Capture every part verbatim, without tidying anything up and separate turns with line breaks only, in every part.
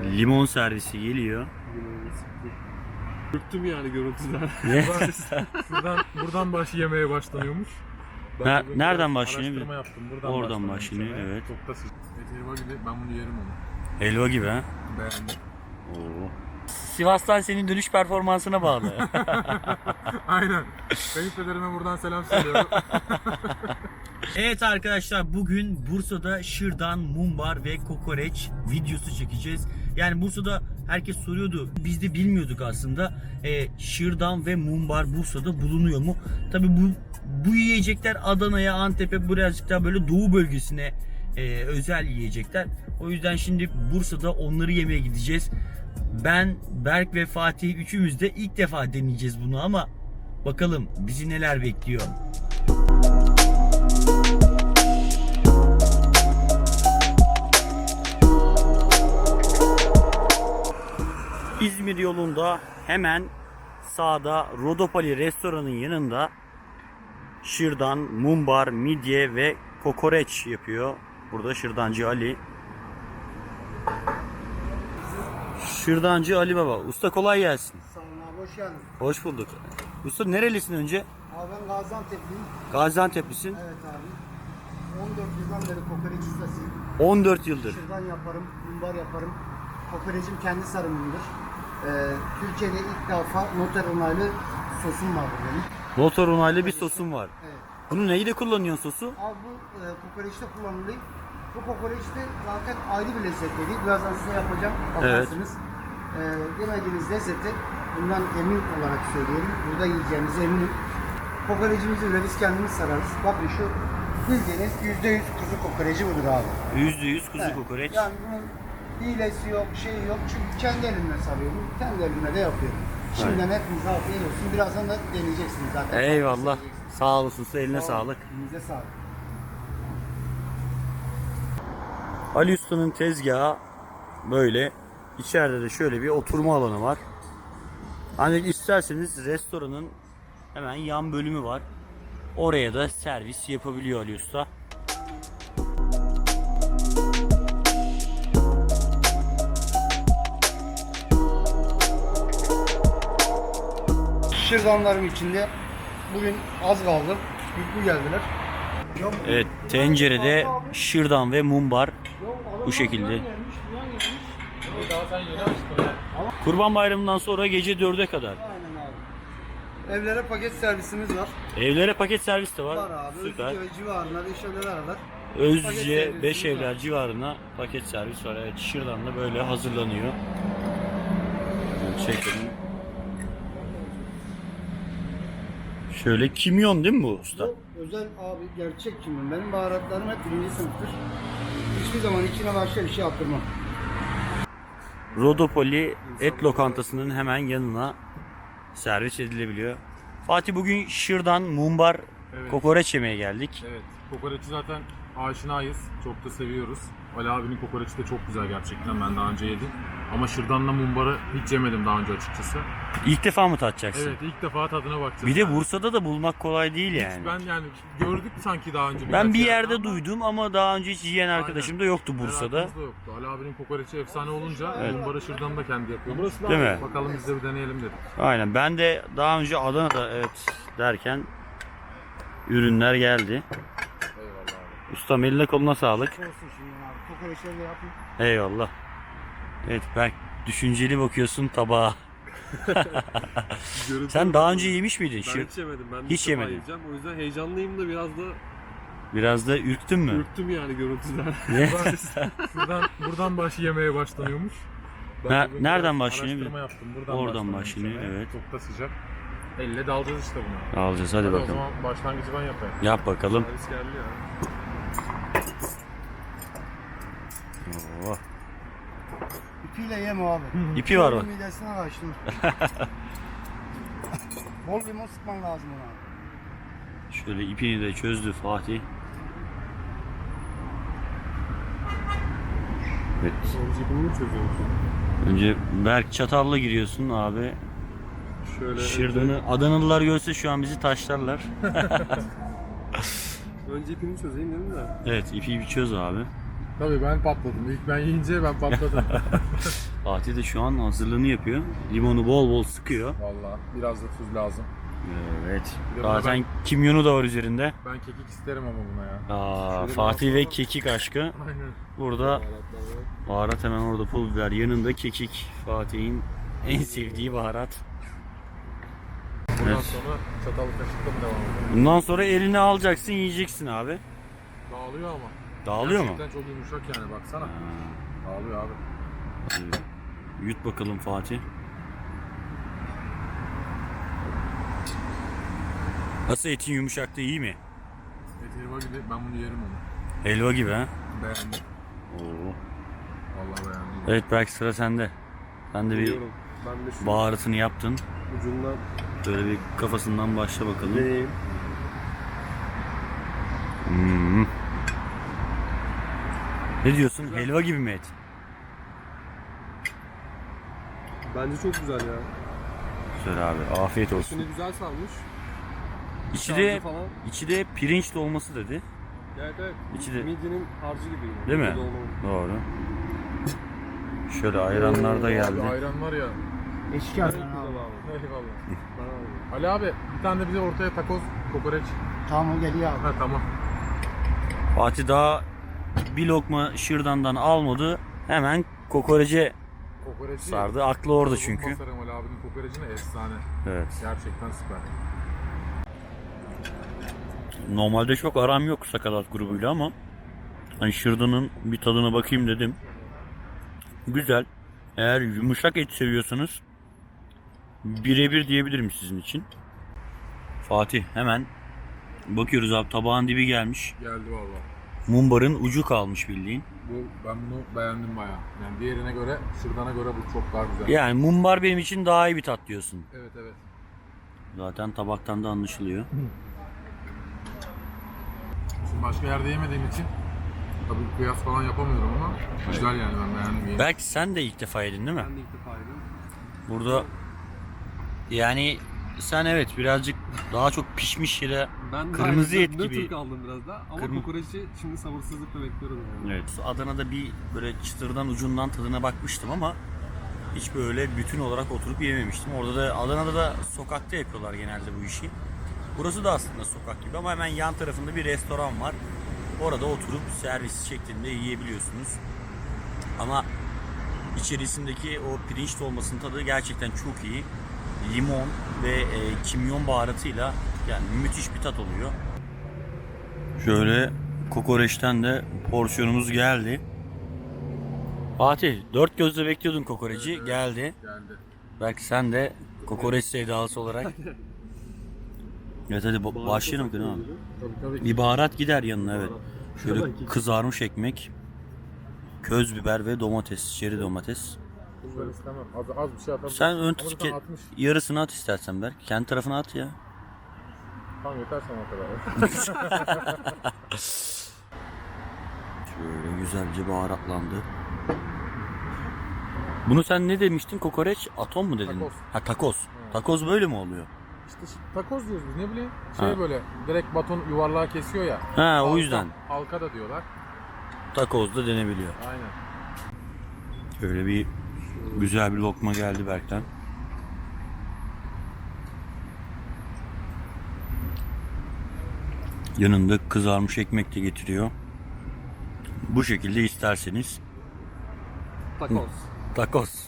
Limon servisi geliyor.
Ürktüm yani görüntüden.
Ne?
Şuradan, buradan baş yemeye başlanıyormuş. Ben
Ne-
bugün
nereden
biraz
başlanıyor?
Araştırma yaptım. Buradan
Oradan
başlanıyor
başlanıyor,
mesela.
evet.
Çok da sıcak. Et helva gibi, ben bunu yerim onu.
Helva gibi ha.
Beğendim.
Oo. Sivas'tan senin dönüş performansına bağlı.
Aynen. Kayınpederime buradan selam söylüyorum.
Evet arkadaşlar, bugün Bursa'da şırdan, mumbar ve kokoreç videosu çekeceğiz. Yani Bursa'da herkes soruyordu. Biz de bilmiyorduk aslında. E, şırdan ve mumbar Bursa'da bulunuyor mu? Tabii bu bu yiyecekler Adana'ya, Antep'e, birazcık daha böyle doğu bölgesine e, özel yiyecekler. O yüzden şimdi Bursa'da onları yemeye gideceğiz. Ben, Berk ve Fatih üçümüz de ilk defa deneyeceğiz bunu ama bakalım bizi neler bekliyor. İzmir yolunda hemen sağda Rodopali restoranın yanında şırdan, mumbar, midye ve kokoreç yapıyor. Burada şırdancı Ali. Şırdancı Ali Baba. Usta kolay gelsin.
Sağ olun abi, hoş geldin.
Hoş bulduk. Usta nerelisin önce?
Abi ben Gaziantep'liyim.
Gaziantep'lisin.
Evet abi. on dört yıldan beri kokoreç ustasıyım.
on dört yıldır.
Şırdan yaparım, mumbar yaparım. Kokorecim kendi sarımımdır. Ee, Türkiye'de ilk defa noter onaylı sosum vardır benim.
Motor onaylı bir sosum var.
Evet.
Bunu neyde kullanıyorsun sosu?
Abi bu e, kokoreçte kullanılıyor. Bu kokoreçte zaten ayrı bir lezzet değil. Birazdan size yapacağım. Bakarsınız. Ee, yemediğiniz lezzeti bundan emin olarak söylüyorum. Burada yiyeceğinize eminim. Kokorecimizi bile biz kendimiz sararız. Bakın şu bildiğiniz yüzde yüz kuzu kokoreci budur abi.
yüzde yüz kuzu
Evet.
kokoreç.
Yani bunun hilesi yok, şeyi yok. Çünkü kendi elimle sarıyorum. Kendi elimle de yapıyorum. Şimdiden hepinize afiyet olsun. Birazdan da deneyeceksiniz zaten.
Eyvallah.
Deneyeceksiniz.
Sağ olasın usta, eline
Sağ olun.
sağlık.
Elinize sağlık.
Ali Usta'nın tezgahı böyle. İçeride de şöyle bir oturma alanı var. Ancak isterseniz restoranın hemen yan bölümü var. Oraya da servis yapabiliyor Ali Usta.
Şırdanlarım içinde bugün az kaldı. Yüklü geldiler.
Evet, tencerede şırdan ve mumbar bu şekilde.
Daha sen yeni açtın ya.
Kurban Bayramı'ndan sonra gece dörde kadar.
Aynen abi. Evlere paket servisimiz var.
Evlere paket servis de var.
Var abi.
Süper.
Özgür ve civarında Beşevler aralar. Paket
Özce
servisimiz
beş
var.
evler civarına paket servis var. Evet, şırdan da böyle hazırlanıyor. Çekelim. Şöyle kimyon değil mi bu usta?
Bu özel abi, gerçek kimyon. Benim baharatlarım hep birinci sınıftır. Hiçbir zaman içine başka bir şey attırmam.
Rodopoli et lokantasının hemen yanına servis edilebiliyor. Fatih, bugün şırdan, mumbar,
Evet.
kokoreç yemeye geldik.
Evet. Kokoreçi zaten aşinayız. Çok da seviyoruz. Ali abinin kokoreçi de çok güzel gerçekten. Ben daha önce yedim. Ama şırdanla mumbarı hiç yemedim daha önce açıkçası.
İlk defa mı tadacaksın?
Evet, ilk defa tadına bakacağız.
Bir de
yani.
Bursa'da da bulmak kolay değil
Hiç
yani.
Ben yani gördük sanki daha önce.
Ben
birkaç
bir
yerde
yerde
ama
duydum ama daha önce hiç yiyen arkadaşım da yoktu Bursa'da.
merakımız da yoktu. Ali abinin kokoreçi efsane olunca
Evet.
mumbarı şırdanı da kendi yapıyormuş.
Değil mi?
Bakalım biz de bir deneyelim dedik.
Aynen, ben de daha önce Adana'da evet derken ürünler geldi.
Eyvallah abi.
Ustam, eline koluna sağlık.
Olsun şimdi abi. Kokoreçleri de yapayım.
Eyvallah. Evet Berk, düşünceli bakıyorsun tabağa.
Görüntü
Sen daha önce yemiş miydin?
Ben
Şır-
hiç yemedim. Ben
Hiç
hiç
yemedin.
yiyeceğim. O yüzden heyecanlıyım da biraz da
Biraz da ürktün mü?
ürktüm yani görüntüden.
Ne?
Buradan, buradan baş yemeye başlanıyormuş. Ben
Ne-
bugün
nereden
biraz
başlanıyor?
Araştırma yaptım. Buradan
Oradan
başlanıyor
başlanıyor,
mesela.
evet.
Çok da sıcak. Elle dalacağız işte bunu.
Alacağız, hadi
Hadi o
bakalım.
zaman başlangıcı ben yapayım.
Yap bakalım.
Servis geldi ya.
Oo.
İpiyle yeme abi.
İpi var bak.
Midesine açtım. Bol limon sıkman lazım ona abi.
Şöyle ipini de çözdü Fatih. Evet.
Sonra cebimi mi çözüyorsun?
Önce Berk çatalla giriyorsun abi.
Şöyle
Şırdanı Adanalılar görse şu an bizi taşlarlar.
Önce, önce ipini çözeyim dedim de.
Evet, ipi bir çöz abi.
Tabii ben patladım. İlk ben yiyince ben patladım.
Fatih de şu an hazırlığını yapıyor. Limonu bol bol sıkıyor.
Vallahi biraz da tuz lazım.
Evet.
Bir de
Zaten
ben-
kimyonu da var üzerinde.
Ben kekik isterim ama buna ya.
Aa,
Şöyle
Fatih
bir
ve
bakalım.
kekik aşkı.
Aynen.
Burada baharat hemen orada, pul biber yanında, kekik. Fatih'in en sevdiği baharat.
Bundan
Evet.
sonra çatal kaşıkla mı devam edelim?
Bundan sonra elini alacaksın, yiyeceksin abi.
Dağılıyor ama.
Dağılıyor mu?
Gerçekten çok yumuşak yani baksana. Dağılıyor abi.
Hadi yut bakalım Fatih. Nasıl, etin yumuşaklığı iyi mi?
Et helva gibi, ben bunu yerim onu.
Helva gibi ha?
Beğendim.
Oo.
Vallahi beğendim.
Evet, belki sıra sende. Sen de bir
Biliyorum. Ben de şu
baharatını yaptın.
ucundan
Böyle bir kafasından başla bakalım.
deneyeyim.
Hmm. Ne diyorsun? Helva gibi mi et?
Bence çok güzel ya.
Güzel abi. Afiyet olsun.
Üstünü güzel salmış.
İçi de,
Harcı falan.
içi de pirinç dolması dedi.
Evet evet.
İçi de-
Midyenin harcı gibi. yine.
Değil mi?
Midye dolma.
Doğru. Şöyle ayranlar da
Abi
geldi.
ayran var ya.
Eşki
Çok
Hasan
güzel
abi.
abi.
Eyvallah.
Bana abi.
Ali abi bir tane de bize ortaya takoz, kokoreç.
Tamam o geliyor abi.
Ha tamam.
Fatih daha bir lokma şırdandan almadı. Hemen kokorece
Kokoreci.
sardı. Aklı orada
Kazım
çünkü.
Basarım Ali abinin kokorecine efsane.
Evet.
Gerçekten süper.
Normalde çok aram yok Sakatat grubuyla ama hani şırdanın bir tadına bakayım dedim. Güzel. Eğer yumuşak et seviyorsanız birebir diyebilirim sizin için. Fatih hemen bakıyoruz abi, tabağın dibi gelmiş.
Geldi valla.
Mumbarın ucu kalmış bildiğin.
Bu, ben bunu beğendim bayağı. Yani diğerine göre, şırdana göre bu çok daha güzel.
Yani mumbar benim için daha iyi bir tat diyorsun.
Evet evet.
Zaten tabaktan da anlaşılıyor.
Şimdi başka yerde yemediğim için tabii kıyas falan yapamıyorum ama güzel yani, ben beğendim. Yeni.
Belki sen de ilk defa yedin değil mi?
Ben de ilk defa yedim.
Burada yani sen evet birazcık daha çok pişmiş yere
Ben
Kırmızı
daha
et
nötr
gibi.
kaldım biraz da. Ama
Kırmı-
kokoreçi şimdi sabırsızlıkla bekliyorum yani.
evet, Adana'da bir böyle çıtırdan ucundan tadına bakmıştım ama hiç böyle bütün olarak oturup yememiştim. Orada da, Adana'da da sokakta yapıyorlar genelde bu işi. Burası da aslında sokak gibi ama hemen yan tarafında bir restoran var. Orada oturup servis şeklinde yiyebiliyorsunuz. Ama içerisindeki o pirinç dolmasının tadı gerçekten çok iyi. Limon ve e, kimyon baharatıyla yani müthiş bir tat oluyor. Şöyle kokoreçten de porsiyonumuz geldi. Fatih, dört gözle bekliyordun kokoreci,
Evet, evet.
geldi.
Geldi.
Belki sen de kokoreç sevdalısı olarak. Evet hadi ba- başlayalım ki değil mi?
Tabii tabii.
Bir baharat gider yanına, evet. Şöyle
Tabii.
kızarmış ekmek, köz biber ve domates, çeri domates.
Bunları istemem. Az, az bir şey atalım.
Sen ön
Ama
tut
zaten
ki
atmış.
yarısını at istersen belki. Kendi tarafına at ya.
Tamam yeter sana o kadar.
Şöyle güzelce baharatlandı. Bunu sen ne demiştin? Kokoreç atom mu dedin?
Takoz.
Ha takoz. Takoz böyle mi oluyor?
İşte şi- takoz diyoruz biz, ne bileyim. Şey
Ha.
böyle direkt baton yuvarlağa kesiyor ya.
Ha o
Halka-
yüzden.
Halka da diyorlar.
Takoz da denebiliyor.
Aynen.
Şöyle bir güzel bir lokma geldi Berk'ten. Yanında kızarmış ekmek de getiriyor. Bu şekilde isterseniz
Takoz.
takoz.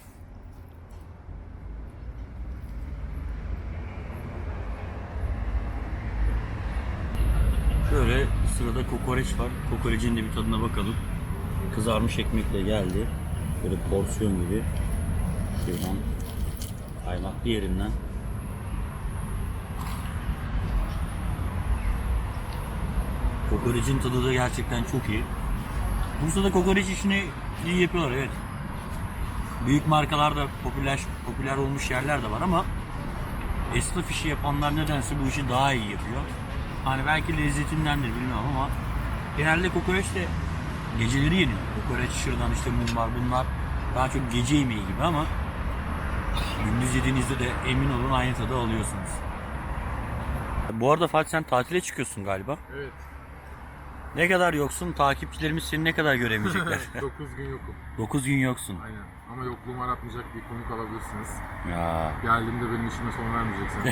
Şöyle sırada kokoreç var. Kokorecin de bir tadına bakalım. Kızarmış ekmekle geldi. Böyle porsiyon gibi. Şuradan kaymaklı yerinden. Kokorecin tadı da gerçekten çok iyi. Bursa'da kokoreç işini iyi yapıyorlar, evet. Büyük markalarda popüler popüler olmuş yerler de var ama esnaf işi yapanlar nedense bu işi daha iyi yapıyor. Hani belki lezzetindendir bilmiyorum ama genelde kokoreç de geceleri yeniyor. Kokoreç, şırdan, işte mumbar, bunlar daha çok gece yemeği gibi ama gündüz yediğinizde de emin olun aynı tadı alıyorsunuz. Bu arada Fatih sen tatile çıkıyorsun galiba.
Evet.
Ne kadar yoksun? Takipçilerimiz seni ne kadar göremeyecekler?
dokuz gün yokum.
dokuz gün yoksun.
Aynen. Ama yokluğumu aratmayacak bir konuk alabilirsiniz.
Ya.
Geldiğimde benim işime son vermeyeceksiniz.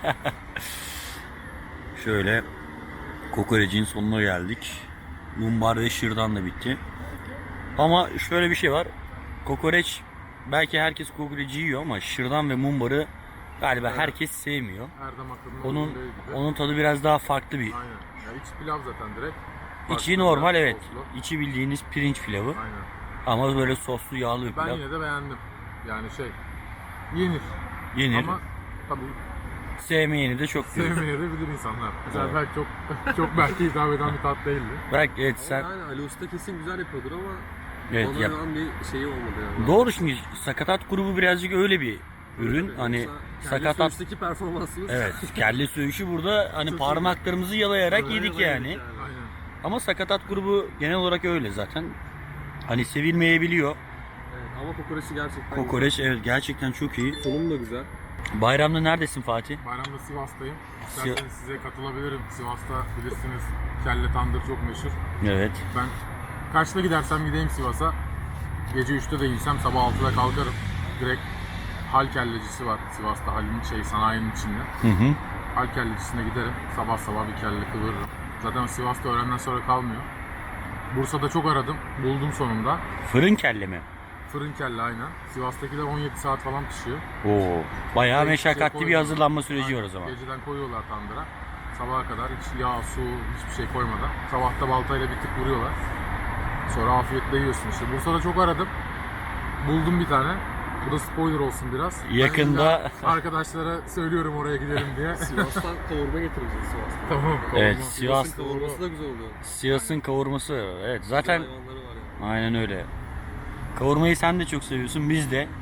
Şöyle kokorecin sonuna geldik. Mumbar ve şırdan da bitti. Ama şöyle bir şey var. Kokoreç, belki herkes kokoreci yiyor ama şırdan ve mumbarı galiba
Evet.
herkes sevmiyor.
Her damak tadına
Onun
uygun değil gibi.
onun tadı biraz daha farklı bir.
Aynen. Ya iç pilav zaten direkt.
İçi
Farklı
normal,
pilav,
evet.
soslu.
İçi bildiğiniz pirinç pilavı
Aynen.
ama böyle soslu yağlı bir
Ben
pilav.
yine de beğendim. Yani şey, yenir.
Yenir.
Ama tabii
Sevmeyeni de çok görür.
sevmeyebilir insanlar. Mesela
Evet.
belki çok çok belki hitap eden bir tat değildi.
Bırak, evet
Ama
sen.
yani Ali Usta kesin güzel yapıyordur ama
Evet,
ona
yap.
olan bir şeyi olmadı yani.
Doğru, şimdi sakatat grubu birazcık öyle bir ürün.
Tabii,
Hani
yoksa kendi
sakatat.
söğüşteki performansımız
Evet, kelle söğüşü burada hani
Çok iyi.
parmaklarımızı yalayarak
Böyle
yedik
böyle
yani.
yedik
Aynen.
Ama sakatat grubu genel olarak öyle zaten. Hani sevilmeyebiliyor.
Evet, ama kokoreçi gerçekten
Kokoreç evet gerçekten çok iyi.
güzel. Sunum da güzel.
Bayramda neredesin Fatih?
Bayramda Sivas'tayım.
Si-
İsterseniz size katılabilirim. Sivas'ta bilirsiniz kelle tandır çok meşhur.
Evet.
Ben kaçta gidersem gideyim Sivas'a. Gece üçte de giysem sabah altıda kalkarım. Direkt hal kellecisi var Sivas'ta, halin şey sanayinin içinde.
Hı hı.
Hal kellecisine giderim. Sabah sabah bir kelle kıvırırım. Zaten Sivas'ta öğlenden sonra kalmıyor. Bursa'da çok aradım. Buldum sonunda.
Fırın kelle mi?
Fırın kelle aynen. Sivas'takiler on yedi saat falan pişiyor.
Oo. Bayağı
Hiçbir şey
meşakkatli bir
koymuyorlar.
hazırlanma süreci var
Aynen.
o zaman.
Geceden koyuyorlar tandıra. Sabaha kadar hiç yağ, su, hiçbir şey koymadan. Sabahta baltayla bir tık vuruyorlar. Sonra afiyetle yiyorsun işte. Bursa'da çok aradım. Buldum bir tane. Bu da spoiler olsun biraz. Ben
Yakında-
illa arkadaşlara söylüyorum oraya gidelim diye.
Sivas'tan kavurma getireceğiz Sivas'tan.
Tamam.
Evet,
kavurma.
Sivas-
Sivas'ın kavurması da güzel oluyor.
Sivas'ın kavurması evet zaten
Güzel hayvanları var yani.
aynen öyle. Kavurmayı sen de çok seviyorsun, biz de.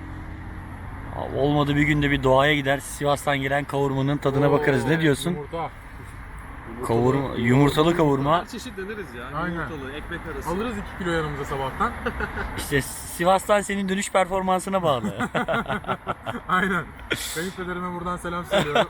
Olmadı bir günde bir doğaya gider, Sivas'tan gelen kavurmanın tadına bakarız. Ne diyorsun?
Yumurta.
Kavurma, yumurtalı kavurma.
Her çeşit deneriz ya.
Aynen.
Yumurtalı, ekmek arası.
Alırız iki kilo yanımıza sabahtan.
İşte Sivas'tan senin dönüş performansına bağlı.
Aynen. Kayınpederime buradan selam söylüyorum.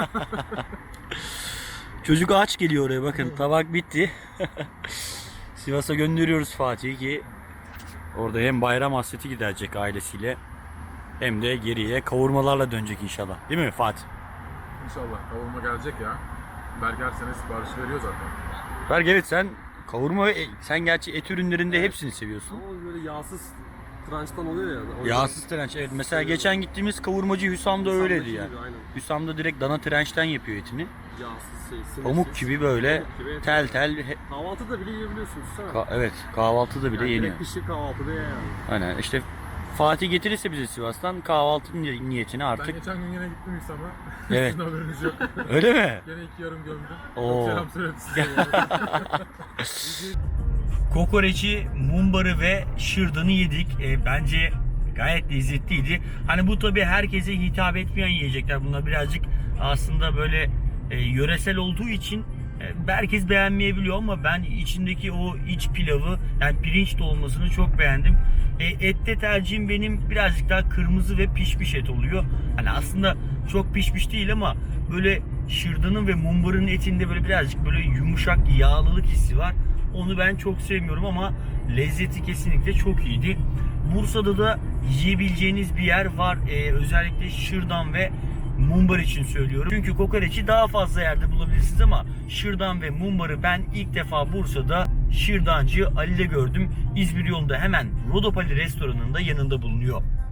Çocuk aç geliyor oraya, bakın tabak bitti. Sivas'a gönderiyoruz Fatih'i ki orada hem bayram hasreti giderecek ailesiyle hem de geriye kavurmalarla dönecek inşallah. Değil mi Fatih?
İnşallah kavurma gelecek ya. Berk her sene sipariş veriyor zaten.
Berk, evet sen kavurma ve sen gerçi et ürünlerinde hepsini seviyorsun.
Ama böyle yağsız trançtan oluyor ya. O yüzden-
Yağsız trenç, evet. Mesela geçen gittiğimiz kavurmacı Hüsam'da öyleydi
Sandaki
yani.
gibi, aynen.
Hüsam'da direkt dana trençten yapıyor etini.
Yağsız şey. sinirsiz.
Pamuk gibi böyle
Pamuk gibi et.
tel tel. he-
Kahvaltıda bile yiyebiliyorsun. Sana.
Ka- evet, kahvaltıda bile
yani
yeniyor.
direkt pişir kahvaltıda ye yani.
Aynen işte Fatih getirirse bize Sivas'tan kahvaltı ni- niyetine
Ben
artık.
geçen gün yine gittim İslam'a.
Evet.
Sizin haberiniz yok.
Öyle mi?
Gene iki yarım gömdüm.
Oo.
Çok selam söyledim size.
Kokoreci, mumbarı ve şırdanı yedik. E, bence gayet lezzetliydi. Hani bu tabii herkese hitap etmeyen yiyecekler. Bunlar birazcık aslında böyle e, yöresel olduğu için e, herkes beğenmeyebiliyor ama ben içindeki o iç pilavı, yani pirinç dolmasını çok beğendim. E, ette tercihim benim birazcık daha kırmızı ve pişmiş et oluyor. Hani aslında çok pişmiş değil ama böyle şırdanın ve mumbarın etinde böyle birazcık böyle yumuşak yağlılık hissi var. Onu ben çok sevmiyorum ama lezzeti kesinlikle çok iyiydi. Bursa'da da yiyebileceğiniz bir yer var. Ee, özellikle şırdan ve mumbar için söylüyorum. Çünkü kokoreçi daha fazla yerde bulabilirsiniz ama şırdan ve mumbarı ben ilk defa Bursa'da şırdancı Ali'de gördüm. İzmir yolunda hemen Rodopali restoranında yanında bulunuyor.